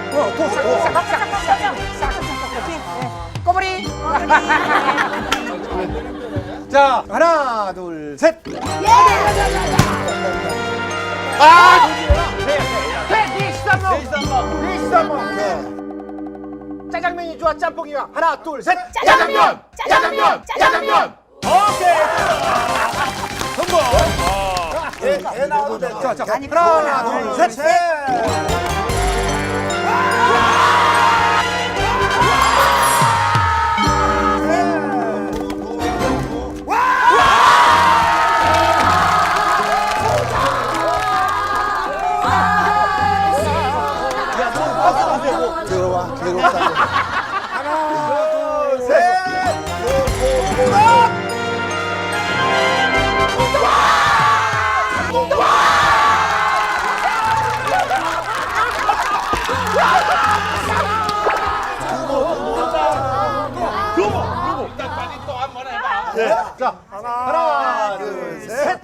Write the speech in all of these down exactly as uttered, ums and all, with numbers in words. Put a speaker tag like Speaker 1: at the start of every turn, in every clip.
Speaker 1: 어, 도, 도. 싹, 싹, 싹, 싹, 싹, 싹. 꼬부리. 자, 하나, 둘, 셋. 아! 대디쌈먹! 대디쌈먹! 네. 짜장면이 좋아, 짬뽕이야. 하나, 둘, 셋.
Speaker 2: 짜장면! 짜장면! 짜장면!
Speaker 1: 오케이. 성공.
Speaker 3: 개, 개 나와도 돼.
Speaker 1: 자, 자, 하나, 둘, 셋.
Speaker 3: 들어와, 괴롭다. 하나, 둘, 셋.
Speaker 1: 네. 자, 하나, 둘, 셋.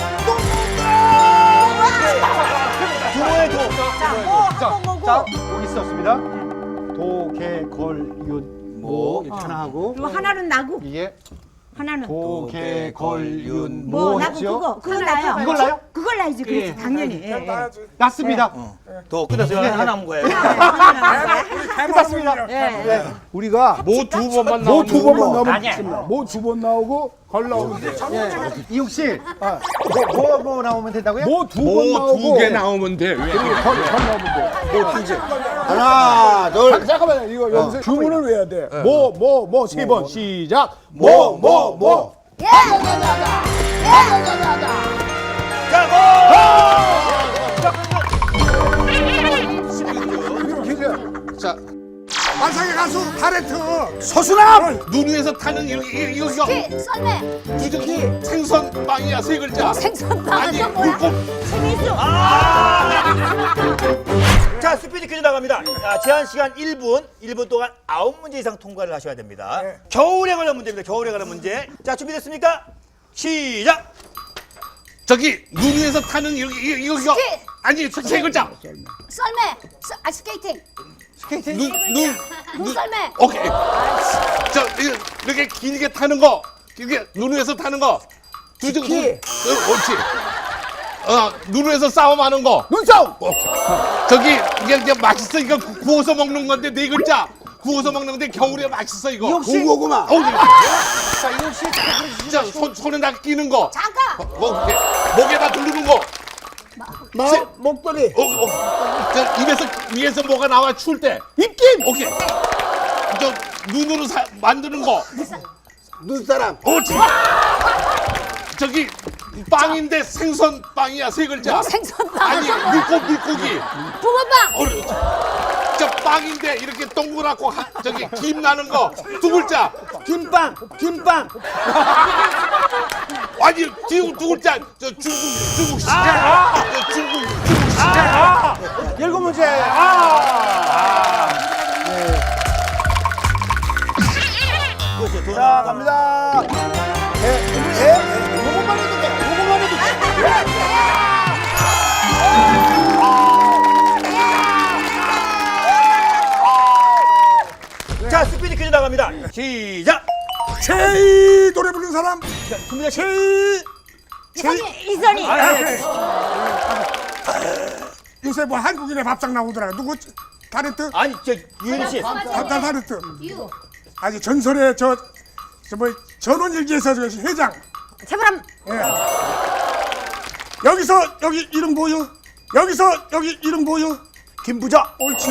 Speaker 1: 두모의 도. 자, 자, 여기 있었습니다. 도, 개, 걸, 윤, 모 이렇게 하나 하고
Speaker 4: 그리고 하나는 나고
Speaker 1: 이게
Speaker 4: 하나는
Speaker 1: 도, 개, 걸, 윤,
Speaker 4: 뭐
Speaker 1: 모
Speaker 4: 나고
Speaker 1: 했죠?
Speaker 4: 그거 그거 나요.
Speaker 1: 이걸 나요?
Speaker 4: 그걸 나야지. 그렇지 당연히. 예, 예.
Speaker 1: 났습니다.
Speaker 3: 도 끝났어요. 하나 남은 거예요.
Speaker 1: 끝났습니다.
Speaker 4: 예.
Speaker 5: 우리가
Speaker 2: 뭐 두 번만
Speaker 5: 모 두 번만
Speaker 2: 나오는
Speaker 5: 나오면 됩니다. 모 두 번 나오고 걸 나오면 돼요.
Speaker 1: 이용 씨, 뭐, 뭐, 뭐 나오면 된다고요?
Speaker 5: 모 두 번 나오고
Speaker 2: 뭐두 개 나오면 돼. 왜?
Speaker 5: 걸, 걸 나오면 돼.
Speaker 3: 하나, 둘.
Speaker 5: 잠깐만요. 이거 여기서 주문을 외워야 돼. 모, 모, 모 세 번 시작.
Speaker 3: 모, 모, 모.
Speaker 2: 자,
Speaker 5: 만상의 가수 타렌트.
Speaker 3: 서수남.
Speaker 2: 눈 위에서 타는 이거 이거 이거
Speaker 6: 키, 썰매,
Speaker 2: 두둑이 생선 빵이야 세 글자.
Speaker 6: 생선빵
Speaker 2: 아니
Speaker 6: 또 뭐야?
Speaker 2: 물고
Speaker 4: 재밌어.
Speaker 3: 자, 스피드 퀴즈 나갑니다. 자, 제한 시간 일 분, 일 분 동안 아홉 문제 이상 통과를 하셔야 됩니다. 겨울에 관한 문제입니다. 겨울에 관한 문제. 자, 준비됐습니까? 시작.
Speaker 2: 저기 눈 위에서 타는 이거 이거 이거 이거.
Speaker 6: 스키.
Speaker 2: 아니 세 글자.
Speaker 6: 썰매, 썰- 아 스케이팅,
Speaker 2: 눈눈
Speaker 6: 물썰매,
Speaker 2: 오케이. 저 이거 이렇게 길게 타는 거. 이게 눈 위에서 타는 거. 두둑 눈. 어, 옳지. 어, 눈 위에서 싸움하는 거.
Speaker 5: 눈싸움.
Speaker 2: 어. 저기 이게, 이게 맛있어 이거 구- 구워서 먹는 건데 네 글자 구워서 먹는 건데 겨울에 맛있어 이거.
Speaker 3: 고구마.
Speaker 2: 어, 네.
Speaker 1: 자, 이용 씨,
Speaker 2: 진짜 손 손에다 끼는 거.
Speaker 6: 장갑,
Speaker 2: 뭐 이렇게 목에다 두르는 거.
Speaker 5: 마, 목도리.
Speaker 2: 어, 어. 저 입에서 위에서 뭐가 나와 추울 때.
Speaker 5: 입김.
Speaker 2: 오케이. 저 눈으로 사, 만드는 거.
Speaker 3: 눈사람.
Speaker 2: 옳지. 저기 빵인데 생선 빵이야 세 글자.
Speaker 6: 생선빵,
Speaker 2: 아니
Speaker 6: 또 뭐야?
Speaker 2: 물고 물고기.
Speaker 6: 붕어빵,
Speaker 2: 어, 저 빵인데 이렇게 동그랗고 하, 저기 김 나는 거 두 글자.
Speaker 3: 김빵. 김빵.
Speaker 2: 아니 두, 두 글자. 저 중국 중국 시장. 저 중국 중국 시장.
Speaker 1: 일곱 문제. 아!
Speaker 3: 자, 갑니다. 개, 개. 요것만 해도 돼. 요것만 해도 돼. 자, 스피드 퀴즈 나갑니다. 시작.
Speaker 5: 제이 노래 부르는 사람.
Speaker 3: 준비자 제이.
Speaker 4: 이선이 이선이.
Speaker 5: 요새 뭐 한국인의 밥상 나오더라. 누구? 타렌트?
Speaker 3: 아니, 저 유현 씨.
Speaker 5: 다 타렌트. 아니 전설의 저 저 뭐 전원일기에서 저 회장.
Speaker 4: 제보람
Speaker 5: 여기서 여기 이름 뭐요? 여기서 여기 이름 뭐요?
Speaker 3: 김부자.
Speaker 5: 옳지.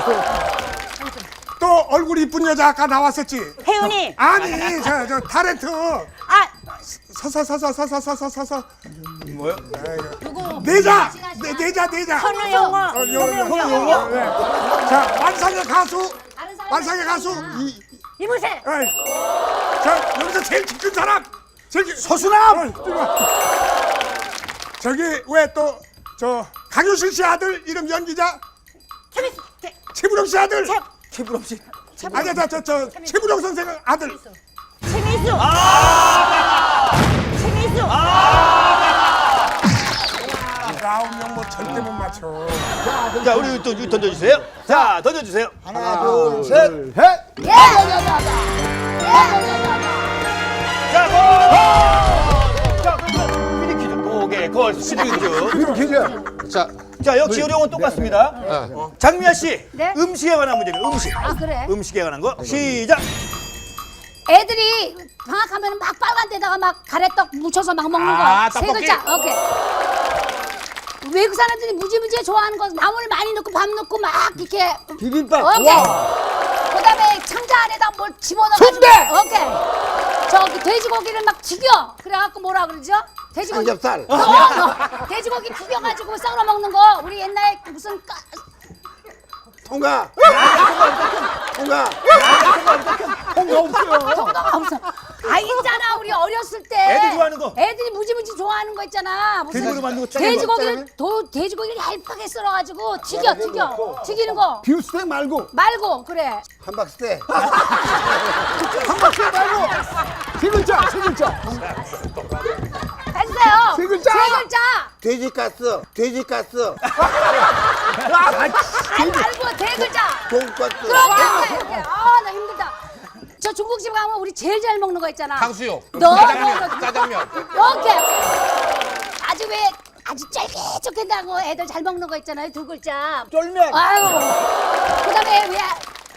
Speaker 5: 또 얼굴 이쁜 여자 아까 나왔었지?
Speaker 4: 혜윤이.
Speaker 5: 아니 저 저 타렌트.
Speaker 4: 아
Speaker 5: 서서서서서서서서서
Speaker 3: 뭐요?
Speaker 5: 내자 내 내자 내자.
Speaker 4: 현우영어.
Speaker 5: 어, 요-
Speaker 4: 현우영어.
Speaker 5: 네. 자 만상의 가수 만상의 가수 이
Speaker 4: 이문세.
Speaker 5: 에이. 자 여기서 제일 키 큰 사람 제일 키-
Speaker 3: 서수남.
Speaker 5: 어, 이리 와. 저기 왜 또 저 강효실 씨 아들 이름 연기자
Speaker 4: 재밌어.
Speaker 5: 최부령 씨 아들
Speaker 4: 재-
Speaker 3: 최부럼 씨.
Speaker 5: 아니 저저 저 최부령 선생 아들
Speaker 4: 재밌어. 재밌어.
Speaker 5: 아홉 명 못 절대 못 맞춰.
Speaker 3: 자, 우리 또 이거 던져주세요. 자, 던져주세요.
Speaker 5: 하나, 둘, 셋.
Speaker 1: 셋.
Speaker 6: 예.
Speaker 3: 자, 고! 자, 그러면 스피드 퀴즈. 오케이, 걸 스피드 퀴즈.
Speaker 1: 퀴즈.
Speaker 2: 자,
Speaker 3: 자, 역시 요령은 똑같습니다. 어. 장미아 씨,
Speaker 6: 네?
Speaker 3: 음식에 관한 문제입니다. 음식.
Speaker 6: 아 그래.
Speaker 3: 음식에 관한 거. 시작.
Speaker 6: 애들이 방학하면 막 빨간 데다가 막 가래떡 묻혀서 막 먹는 거.
Speaker 3: 아,
Speaker 6: 세
Speaker 3: 떡볶이.
Speaker 6: 글자. 오케이. 외국 사람들이 무지무지 좋아하는 거 나물 많이 넣고 밥 넣고 막 이렇게
Speaker 1: 비빔밥.
Speaker 6: 오케이. 그다음에 창자 안에다 뭘 집어넣어가지고
Speaker 1: 순대!
Speaker 6: 오케이. 저기 돼지고기를 막 튀겨. 그래갖고 뭐라 그러죠? 돼지고기.
Speaker 1: 삼겹살.
Speaker 6: 어, 어. 돼지고기 튀겨가지고 썰어 먹는 거. 우리 옛날에 무슨 까...
Speaker 1: 통과. 통과. 통과 없어요.
Speaker 6: 통과가 없어. 아 있잖아 우리 어렸을 때.
Speaker 3: 애들 좋아하는 거.
Speaker 6: 애들이 무지무지 좋아하는 거 있잖아. 무슨
Speaker 3: 돼지고기 만든 거
Speaker 6: 돼지고기를 도, 돼지고기를 얇게 썰어가지고 튀겨 튀겨 튀기는 거
Speaker 1: 비프스텍 말고
Speaker 6: 말고 그래.
Speaker 1: 함박스텍. 함박스텍 말고 세 글자, 세 글자.
Speaker 6: 했어요.
Speaker 1: 세 글자.
Speaker 6: 세 글자.
Speaker 1: 돼지가스, 돼지가스.
Speaker 6: 아니 말고 세 글자.
Speaker 1: 돈가스.
Speaker 6: 그렇게 이렇게. 아나 힘들다. 저 중국집 가면 우리 제일 잘 먹는 거 있잖아.
Speaker 2: 탕수육,
Speaker 6: 너무
Speaker 2: 짜장면, 짜장면.
Speaker 6: 이렇게 아주 왜 아주 쫄깃쫄깃하고 애들 잘 먹는 거 있잖아요. 두 글자.
Speaker 1: 쫄면.
Speaker 6: 아유. 그다음에 왜?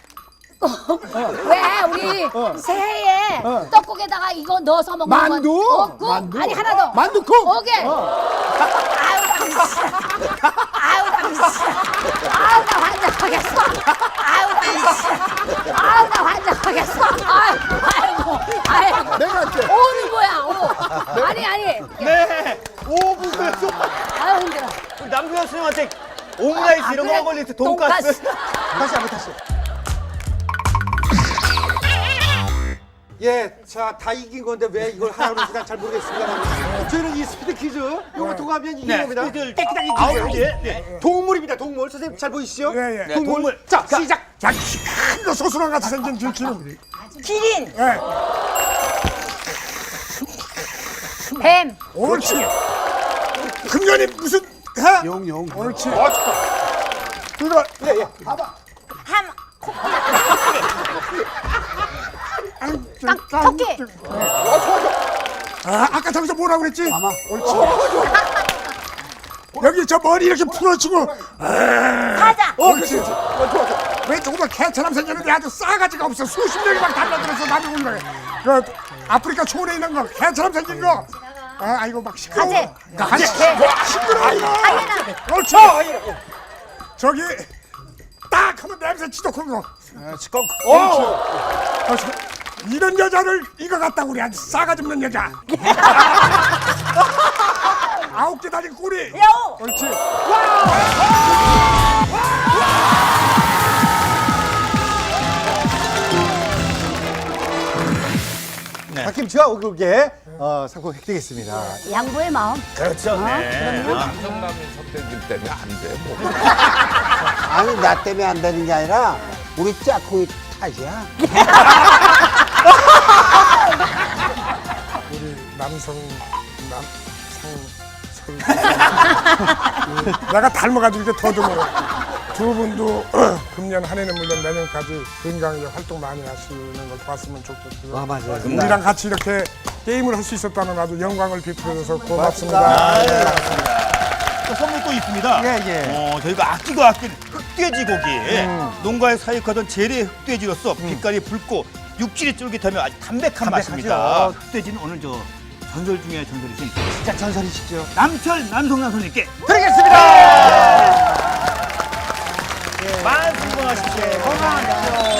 Speaker 6: 왜 우리 새해에 떡국에다가 이거 넣어서 먹는 건
Speaker 1: 만두?
Speaker 6: 어, 국?
Speaker 1: 만두.
Speaker 6: 아니 하나 더.
Speaker 1: 만두국.
Speaker 6: 오케이. 아유 당신. 아유 당신. 아유 나 환장하겠어. 아유 당신. 아유 나 환장하겠어. 아유 아이고 아이고.
Speaker 1: 내가 할게.
Speaker 6: 오는 거야 오. 아니 아니.
Speaker 3: 네. 오 분에서
Speaker 6: 아유 힘들어.
Speaker 3: 남규현 선생님한테 오므라이스 이런 거 걸릴 때 돈가스.
Speaker 1: 다시 한번 다시. 예, 자, 다 이긴 건데 왜 이걸 하라고 그러는지 난 잘 모르겠습니다. 저희는 이 스피드 퀴즈, 요거 통하면 이긴
Speaker 3: 네,
Speaker 6: 어,
Speaker 1: 겁니다.
Speaker 3: 스피드를 깨끗하게
Speaker 1: 아홉
Speaker 3: 이기세요.
Speaker 1: 문제.
Speaker 3: 네.
Speaker 1: 동물입니다, 동물. 선생님 잘 보이시죠?
Speaker 5: 예, 예.
Speaker 3: 네,
Speaker 1: 동물.
Speaker 3: 동물.
Speaker 1: 자, 시작.
Speaker 5: 자, 큰거 소스랑 같이 생긴 들키는.
Speaker 4: 기린,
Speaker 5: 예.
Speaker 4: 뱀,
Speaker 5: 옳지. 금년이 무슨 해?
Speaker 1: 용, 용.
Speaker 5: 옳지.
Speaker 1: 어, 좋다.
Speaker 5: 그거
Speaker 1: 예, 예. 봐봐.
Speaker 4: 함,
Speaker 5: 딱
Speaker 4: 토끼.
Speaker 1: 어, 좋아, 좋아.
Speaker 5: 아, 아까 저기서 뭐라고 그랬지? 아마. 옳지. 여기 저 머리 이렇게 풀어치고.
Speaker 4: 사자,
Speaker 1: 어, 그렇지, 그렇지. 어, 좋아, 좋아.
Speaker 5: 왜 조금만 개처럼 생겼는데 아주 싸가지가 없어. 수십 명이 막 달라들어서 남이 올라가. 그 아프리카 초원에 있는 거 개처럼 생긴 거. 아, 아이고 막 시끄러워.
Speaker 4: 가재.
Speaker 5: 가재. 시끄러워 이거.
Speaker 4: 하이에나,
Speaker 5: 옳지. 저기 딱 하면 냄새 지독한 거.
Speaker 1: 시끄럽고.
Speaker 5: 옳지. 어, 이런 여자를 이거 같다 우리 아주 싸가지 없는 여자. 아홉 개 달린 꼬리.
Speaker 4: 여우,
Speaker 5: 옳지.
Speaker 1: 박김치와 오겹게 어, 상품 획득했습니다.
Speaker 6: 양보의 마음.
Speaker 3: 그렇죠. 네.
Speaker 2: 남성라면 선배님 때문에 안 돼. 뭐.
Speaker 7: 아니 나 때문에 안 되는 게 아니라 우리 짝꿍이 탓이야.
Speaker 5: 우리 남성 남성 내가 닮아가지고 이렇게 더듬어. 두 분도 금년 한 해는 물론 내년까지 건강하게 활동 많이 하시는 걸 봤으면 좋겠고요.
Speaker 1: 아, 맞아요.
Speaker 5: 우리랑 같이 이렇게 게임을 할 수 있었다는 아주 영광을 베풀어줘서 고맙습니다.
Speaker 3: 아, 네, 맞습니다. 또 선물 또 있습니다.
Speaker 1: 예, 예.
Speaker 3: 어, 저희가 아끼고 아낀 흑돼지 고기. 농가에 사육하던 재래 흑돼지로서 빛깔이 붉고 육질이 쫄깃하며 아주 담백한
Speaker 1: 담백하죠.
Speaker 3: 맛입니다. 흑돼지는 오늘 저 전설 중에 전설이신
Speaker 1: 진짜 전설이시죠?
Speaker 3: 남철 남성남 선생님께
Speaker 1: 드리겠습니다.
Speaker 3: 만승 건강하십시오. 건강하십시오.